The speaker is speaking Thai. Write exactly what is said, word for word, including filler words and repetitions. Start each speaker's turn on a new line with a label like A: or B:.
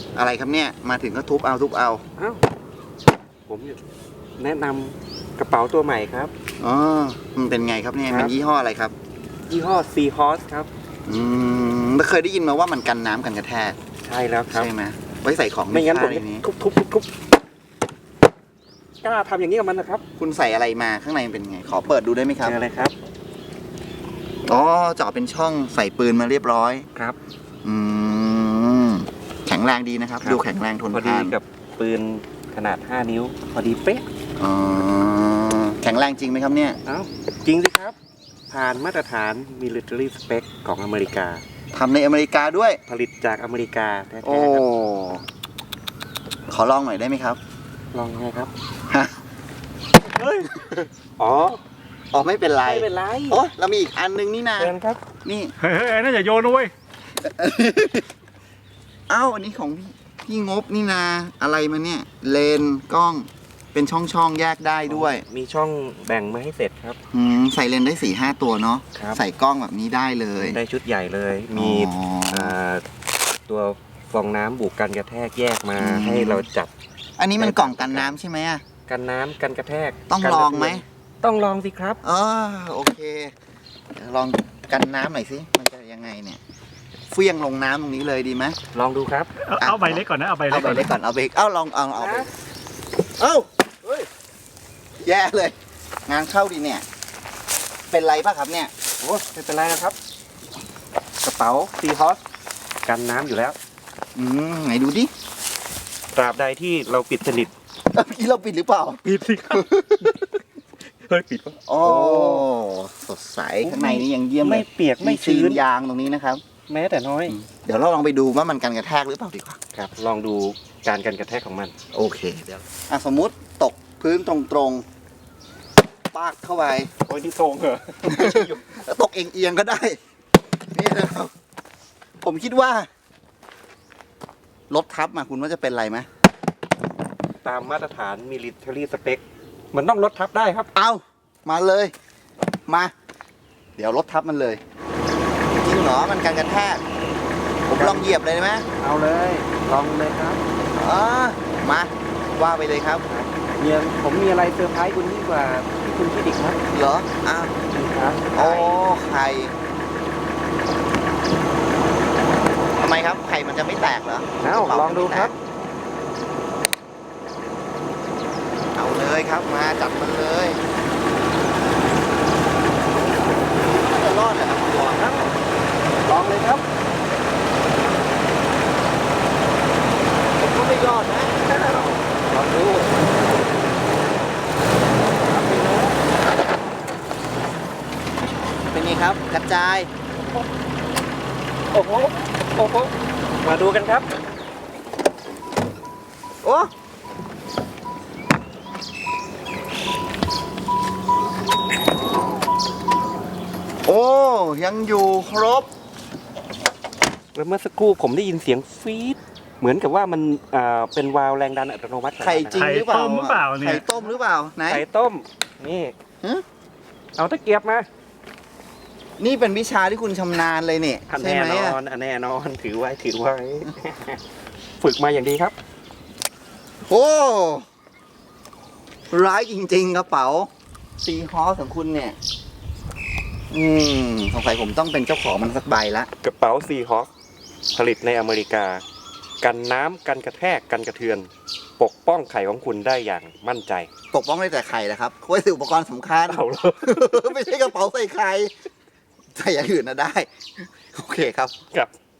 A: อะไรครับเนี่ยมาถึงก็ทุบเอาทุบเอา
B: อ้าวผมแนะนำกระเป๋าตัวใหม่ครับ
A: อ๋อมันเป็นไงครับเนี่ยมันยี่ห้ออะไรครับ
B: ยี่ห้อ Sea Horse ครับ
A: อืมไม่เคยได้ยินมาว่ามันกันน้ำกันกระแทก
B: ใช่แล้วครับ
A: ใช่ไหมไว้ใส่ของ
B: ไม่งั้นผมจะ
A: นี้
B: ทุบทุบทุบทุบกล้าทำอย่างนี้กับมันนะครับ
A: คุณใส่อะไรมาข้างในเป็นไงขอเปิดดูได้ไหมครับ
B: เจออะไรครับ
A: อ๋อเจาะเป็นช่องใส่ปืนมาเรียบร้อย
B: ครับ
A: อืมแข็งแรงดีนะครับดูแข็งแรงทนทานพอ
B: ดีกับปืนขนาดห้านิ้วพอดีเป๊ะ
A: อ๋อแข็งแรงจริงไหมครับเนี่ย
B: เอ้าจริงสิครับผ่านมาตรฐาน military spec ของอเมริกา
A: ทำในอเมริกาด้วย
B: ผลิตจากอเมริกาแท้ๆ
A: โอ้ขอลองหน่อยได้ไหมครับ
B: ลองไงครับ
A: ฮะ
B: เฮ้ยอ๋อ
A: อ๋อไม่เป็นไร
B: ไม่เป็นไร
A: โอ้เรามีอีกอันนึงนี่นะ
B: เชิญครับ
A: นี่
C: เฮ้ยน่าจะโยนด้วย
A: เอ้าอันนี้ของพี่งบนี่นาอะไรมาเนี่ยเลนกล้องเป็นช่องช่องแยกได้ด้วย
B: มีช่องแบ่งมาให้เสร็จครับ
A: อืมใส่เลนได้สี่ห้าตัวเนาะใส่กล้องแบบนี้ได้เลย
B: ได้ชุดใหญ่เลยมีตัวฟองน้ำบุกกันกระแทกแยกมาให้เราจับ
A: อันนี้มันกล่องกันน้ำใช่ไหมอะ
B: กันน้ำกันกระแทก
A: ต้องลองไหม
B: ต้องลองสิครับ
A: เออโอเคลองกันน้ำหน่อยสิมันจะยังไงเนี่ยเฟี้ยงลงน้ำตรงนี้เลยดีไหม
B: ลองดูครับ
C: เอาใบเล็กก่อนนะเอาใบเล็ก
A: ก่อนเอาเบรกเอาลองเอาเอาเอ้าเฮ้ยแย่เลยงานเข้าดีเนี่ยเป็นไรป่ะครับเนี่ย
B: โอ้ไม่เป็นไรนะครับกระเป๋าซีฮอสกันน้ำอยู่แล้ว
A: อืมไหนดูดิ
B: ตราบใดที่เราปิดสนิท
A: เมื่อกี้เราปิดหรือเปล่า
B: ปิดสิครับเฮ้ยปิดป่ะ
A: โอ้สดใสข้างในนี่ยังเยี่ยม
B: ไม่เปียกไม่ชื้น
A: ยางตรงนี้นะครับ
B: แม้แต่น้อย
A: เดี๋ยวเราลองไปดูว่ามันกันกระแทกหรือเปล่าดีกว่า
B: ครับลองดูการกันกระแทกของมัน
A: โอเคเดี๋ยวอ่ะสมมุติตกพื้นตรงๆปากเข้าไป
B: โอ้ยที่ทรงเหรอ
A: ตกเอียงๆก็ได้นี่นะครับผมคิดว่ารถทับมาคุณว่าจะเป็นไรไหม
B: ตามมาตรฐาน military spec มันต้องรถทับได้ครับ
A: เอามาเลยมาเดี๋ยวรถทับมันเลยจริงเหรอมันการกระแทกผมลองเหยียบเลยได้ไหม
B: เอาเลยลองเลยครับ
A: อ๋อมาว่าไปเลยครับ
B: เนี่ยผมมีอะไรเซอร์ไพรส์คุณยิ่งกว่าที่คุณคิดอีกครับ
A: เหรออ้าว
B: ครับ
A: โอ้ไข่ทำไมครับไข่มันจะไม่แตกเหรอ
B: เอาลองดูครับ
A: เอาเลยครับมาจัดมันเลยจะรอดเหรอครับลองครับ
B: ลองเลยครับ
A: ผมก็ไม่รอดนะ
B: ลองดู
A: เป็นไงครับกระจาย
B: โอ้โหโอ้โหมาดูกันครับ
A: โอ้โอ้ยังอยู่ครบ
B: แล้วเมื่อสักครู่ผมได้ยินเสียงฟีดเหมือนกับว่ามันอ่าเป็นวาล์วแรงดันอัตโนมัติ
A: ไข่จริงหรือเปล่าไข่ต้มหรือเปล่าไหน
B: ไข่ต้มนี่เอาตะเกียบมา
A: นี่เป็นวิชาที่คุณชำนาญเลยเนี่ย
B: ใช่ไหมแน่นอนแน่นอนถือไว้ถือไว้ฝึกมาอย่างดีครับ
A: โอ้ร้ายจริงๆกระเป๋าซีฮอสของคุณเนี่ยอืมสงสัยผมต้องเป็นเจ้าของมันสักใบละ
B: กระเป๋าซีฮอสผลิตในอเมริกากันน้ำกันกระแทกกันกระเทือนปกป้องไข่ของคุณได้อย่างมั่นใจ
A: ปกป้องได้แต่ไข่นะครับเพราะว่าอุปกรณ์สำคัญ
B: เอา
A: ไม่ใช่กระเป๋าใส่ไข่ใส่อย่างอื่นนะได้โอเคครับ
B: ครับ